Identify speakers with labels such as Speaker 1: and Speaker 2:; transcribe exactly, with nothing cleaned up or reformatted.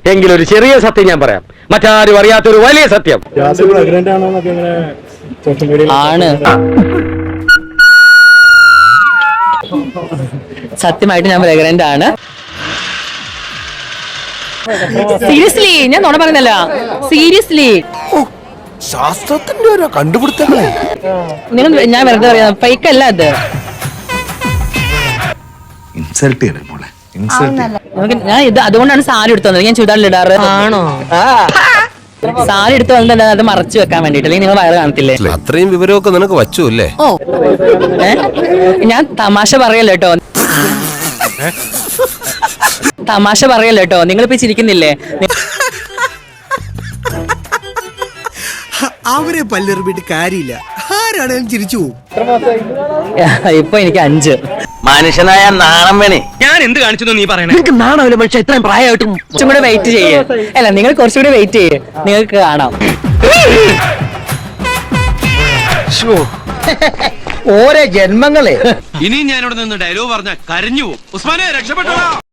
Speaker 1: എങ്കിലും ഒരു ചെറിയ സത്യം ഞാൻ പറയാം, മറ്റാരും അറിയാത്തൊരു വലിയ സത്യം.
Speaker 2: ആണ്. സത്യമായിട്ട് ഞാൻ പ്രഗ്നന്റ് ആണ്. സീരിയസ്ലി ഞാൻ നുണ പറയുന്നല്ല, സീരിയസ്ലി.
Speaker 3: ശാസ്ത്രത്തിന്റെ ഓരോ കണ്ടുപിടുത്തങ്ങളെ
Speaker 2: നിങ്ങൾ ഞാൻ വെറുതെ പറയാം, ഫേക്ക് അല്ല അത്.
Speaker 3: ഇൻസൾട്ട് ചെയ്യണേ മോളെ, ഇൻസൾട്ട്.
Speaker 2: നമുക്ക് ഞാൻ ഇത് അതുകൊണ്ടാണ് സാരി എടുത്തു വന്നത്. ഞാൻ ചുരിദാറിൽ ഇടാറ്. ആണോ? സാരി എടുത്തു വന്നത് അത് മറച്ചു വെക്കാൻ വേണ്ടിട്ട്, അല്ലെങ്കിൽ നിങ്ങൾ വയറ് കാണത്തില്ലേ?
Speaker 4: അത്രയും വിവരമൊക്കെ നിനക്ക് വച്ചു അല്ലേ?
Speaker 2: ഓ ഏ ഞാൻ തമാശ പറയല്ലോ കേട്ടോ, തമാശ പറയല്ലോ കേട്ടോ. നിങ്ങളിപ്പോ ചിരിക്കുന്നില്ലേ?
Speaker 5: അവരെ പല്ലെറിഞ്ഞിട്ട് കാര്യമില്ല, ആരാണേലും ചിരിച്ചു പോകും.
Speaker 2: ഇപ്പൊ എനിക്ക് അഞ്ച്.
Speaker 1: മനുഷ്യനായ നാണം വേണേ.
Speaker 6: ഞാൻ എന്ത് കാണിച്ചു നീ പറയണേ?
Speaker 1: നിങ്ങൾക്ക് നാണമില്ല മനുഷ്യ, ഇത്രയും പ്രായമായിട്ടും.
Speaker 2: കുറച്ചും കൂടെ വെയിറ്റ് ചെയ്യേ. അല്ല, നിങ്ങൾ കുറച്ചുകൂടി വെയിറ്റ് ചെയ്യേ, നിങ്ങൾക്ക് കാണാം.
Speaker 1: ഓരോ ജന്മങ്ങളെ.
Speaker 6: ഇനി ഞാനിവിടെ നിന്ന് ഡയലോഗ് പറഞ്ഞ കരഞ്ഞു പോകും. ഉസ്മാനെ രക്ഷപ്പെട്ടോ.